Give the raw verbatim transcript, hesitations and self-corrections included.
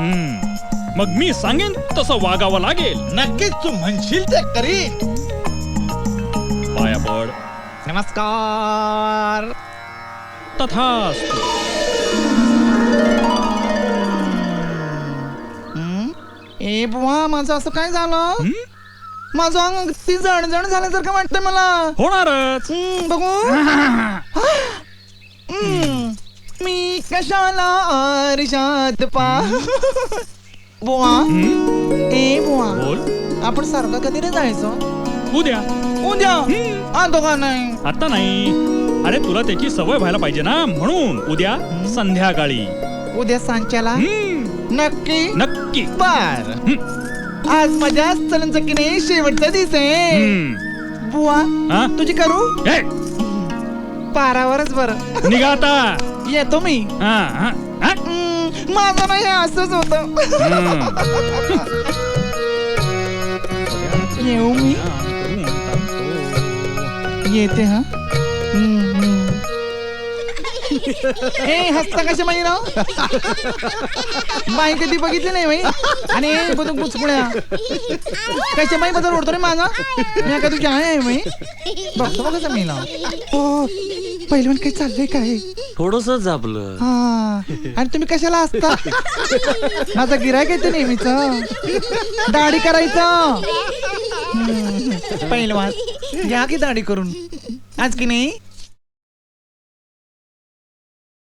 मग मी सांगेन तसं वागावं लागेल. नक्कीच तू म्हणशील ते करीन. पाया पड. नमस्कार. तथास्तु. ए बुवा, माझं असं काय झालं? माझं अंग ती जण जण झाल्यासारखं वाटतंय मला. होणारच. हम्म, बघू. हम्म, मी कशाला आरशात पा. बुवा, ए बुवा, बोल. आपण सारखं कधी रे जायचं? उद्या. उद्या? आता का नाही? आता नाही. अरे तुला त्याची सवय व्हायला पाहिजे ना, म्हणून उद्या संध्याकाळी. उद्या सांच्याला? नक्की? नक्की. बर. आज माझ्या चलनचं की नाही शेवटचा दिवस आहे. बुवा, हा? तुझी करू? ए, पारावरच बरं. निघा आता. येतो मी. हा, हा, हा? हम्म, माझं नाही, असंच होत. येऊ मी. येते हा. हम्म, हम्म. ए, हसता कशा माही ना बाई कधी बघितली नाही बाई. आणि बघून पुचपुड्या कशा बाई बद्दल ओढतो रे माझा. मी का तुझी आहे बाई. बघतो बघ कसं मी ना. हो, पहिलवान काही चाललंय काय? थोडस आपलं. हा, आणि तुम्ही कशाला असता? माझा गिरायक आहे ते नेहमीच. दाढी करायचं. पहिलवान घ्या की दाढी करून. आज की नाही